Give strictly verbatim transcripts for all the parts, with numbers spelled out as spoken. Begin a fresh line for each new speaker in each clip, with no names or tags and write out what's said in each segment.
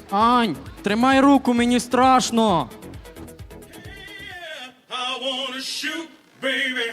Ань, тримай руку, мені страшно.
I wanna shoot, baby.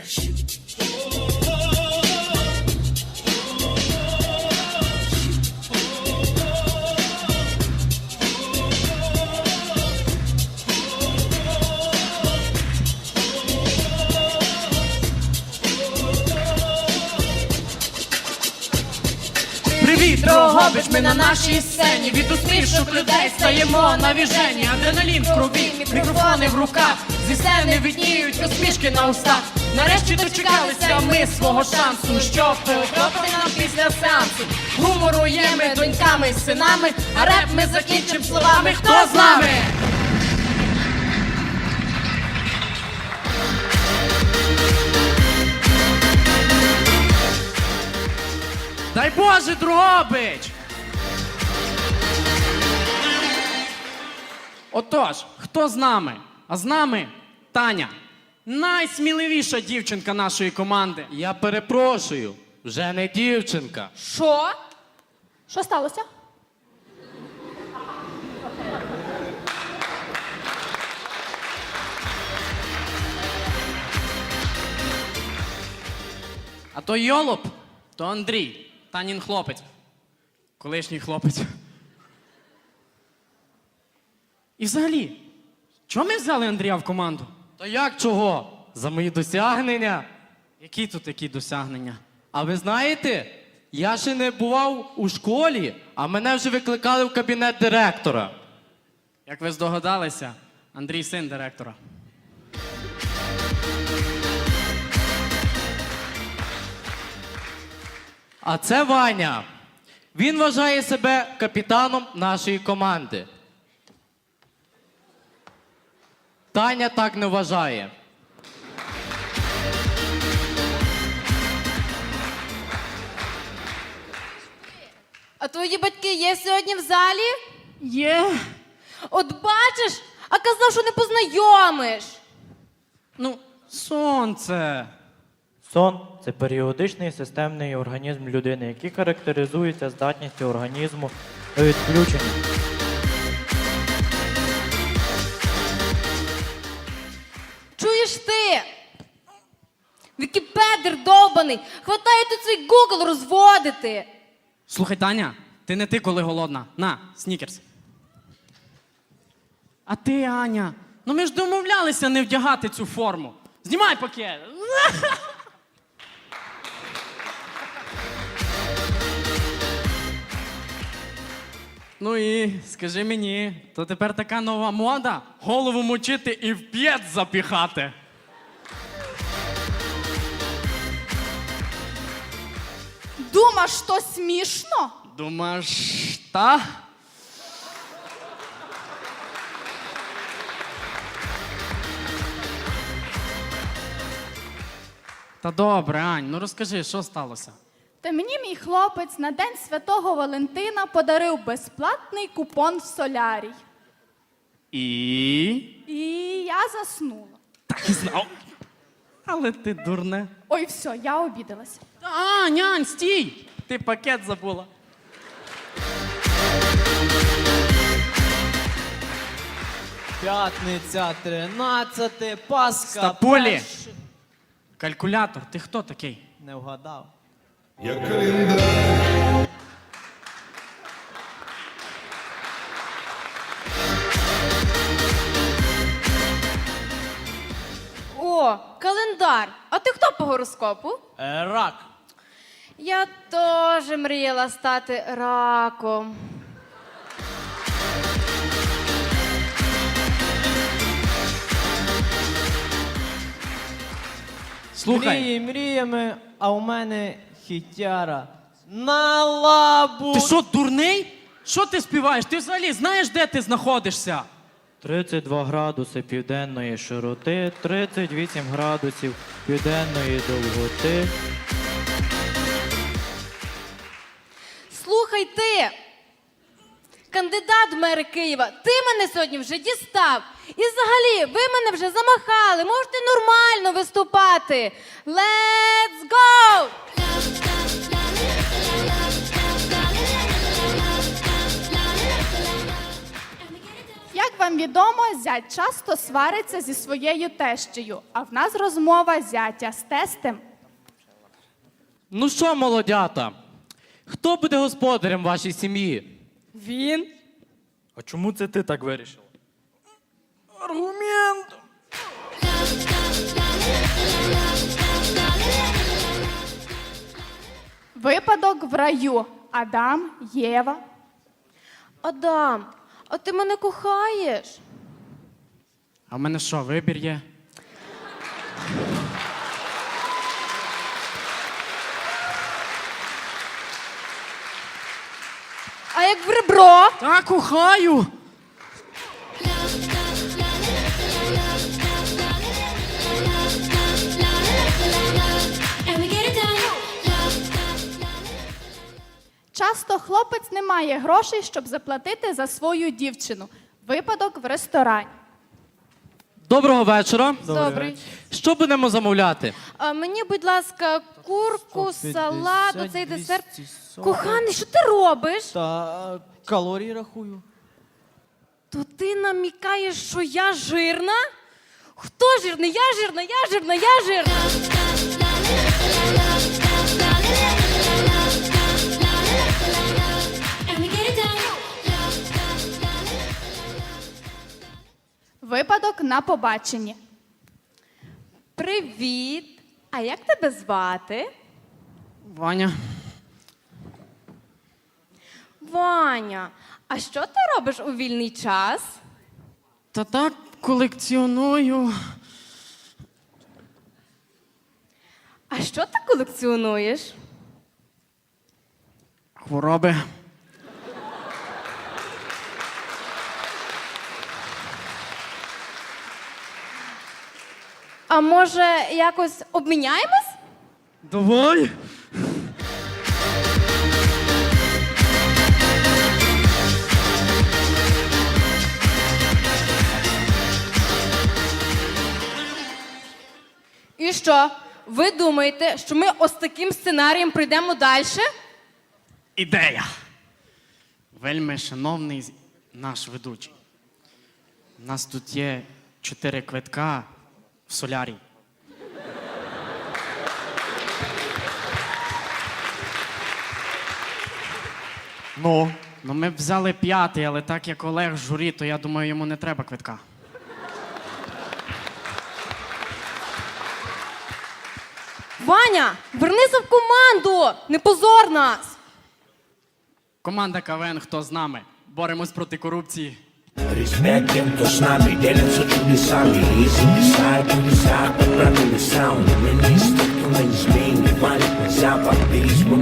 Привіт, Дрогобич, ми на нашій сцені. Від усмішок людей стаємо на віжені. Адреналін в крові, мікрофони в руках. Зі сцени видніють усмішки на устах. Нарешті дочекалися ми свого шансу, щоб похлопати нам після сеансу. Гумору є ми доньками, синами, а реп ми закінчим словами «Хто з нами?». Дай Боже, Дрогобич! Отож, хто з нами? А з нами Таня. Найсміливіша дівчинка нашої команди.
Я перепрошую, вже не дівчинка.
Що? Що сталося?
А то Йолоп, то Андрій, Танін хлопець. Колишній хлопець. І взагалі, чого ми взяли Андрія в команду?
Та як чого? За мої досягнення.
Які тут такі досягнення?
А ви знаєте, я ще не бував у школі, а мене вже викликали в кабінет директора.
Як ви здогадалися, Андрій син директора.
А це Ваня. Він вважає себе капітаном нашої команди. Таня так не вважає.
А твої батьки є сьогодні в залі?
Є.
От бачиш, а казав, що не познайомиш.
Ну, сонце.
Сон – це періодичний системний організм людини, який характеризується здатністю організму до відключення.
Чуєш ти? Вікіпедер довбаний. Хватає тут свій Google розводити.
Слухай, Таня, ти не ти, коли голодна. На, снікерс. А ти, Аня, ну ми ж домовлялися не вдягати цю форму. Знімай пакет. Ну і скажи мені, то тепер така нова мода голову мочити і в п'єт запіхати.
Думаєш, що смішно?
Думаєш, та? Та добре, Ань, ну розкажи, що сталося?
Та мені мій хлопець на День Святого Валентина подарив безплатний купон в солярій.
І?
І я заснула.
Так і знав. Але ти дурне.
Ой, все, я обідалася.
А, нянь, стій! Ти пакет забула.
П'ятниця, тринадцяте, Пасха.
Стапулі!
перше.
Калькулятор, ти хто такий?
Не вгадав.
Я календар.
О, календар. А ти хто по гороскопу?
Е, Рак.
Я теж мріяла стати раком.
Слухай,
Мрії мріями, а у мене хітяра. На лабу.
ти що, дурний? Що ти співаєш? Ти взагалі знаєш, де ти знаходишся?
тридцять два градуси південної широти, тридцять вісім градусів південної довготи.
Слухай ти, кандидат в мери Києва, ти мене сьогодні вже дістав. І взагалі, ви мене вже замахали, можете нормально виступати. Let's go!
всім відомо, зять часто свариться зі своєю тещею, а в нас розмова зятя з тестем.
Ну що, молодята, хто буде господарем вашій сім'ї?
Він?
А чому це ти так вирішила?
Випадок в раю. Адам, Єва.
Адам, а ти мене кохаєш?
А в мене що, вибір є?
А як в ребро?
Та кохаю!
Часто хлопець не має грошей, щоб заплатити за свою дівчину. Випадок в ресторані.
Доброго вечора.
Добрий.
Що будемо замовляти?
А мені, будь ласка, курку,
сто
салат,
п'ятдесят,
оцей десерт.
двісті сорок.
Коханий, що ти робиш?
Та калорії рахую.
То ти намікаєш, що я жирна? Хто жирний? Я жирна, я жирна, я жирна.
Випадок на побаченні.
Привіт. А як тебе звати?
Ваня.
Ваня, а що ти робиш у вільний час?
Та так колекціоную.
А що ти колекціонуєш?
Хвороби.
А може, якось обміняємось?
Давай.
І що? Ви думаєте, що ми ось таким сценарієм пройдемо далі?
Ідея. Вельми шановний з- наш ведучий. У нас тут є чотири квитка в солярій.
Ну,
Ну, ми б взяли п'ятий, але так як Олег в журі, то я думаю, йому не треба квитка.
Ваня, вернися в команду! Не позор нас!
Команда КВН «Хто з нами?» Боремось проти корупції.
Respect тем, кто с нами, делятся чудесами. Если не сайт, то не сайт, правильный саунд. Мы не стыкнулись, мы не валит на запад. Пересмотр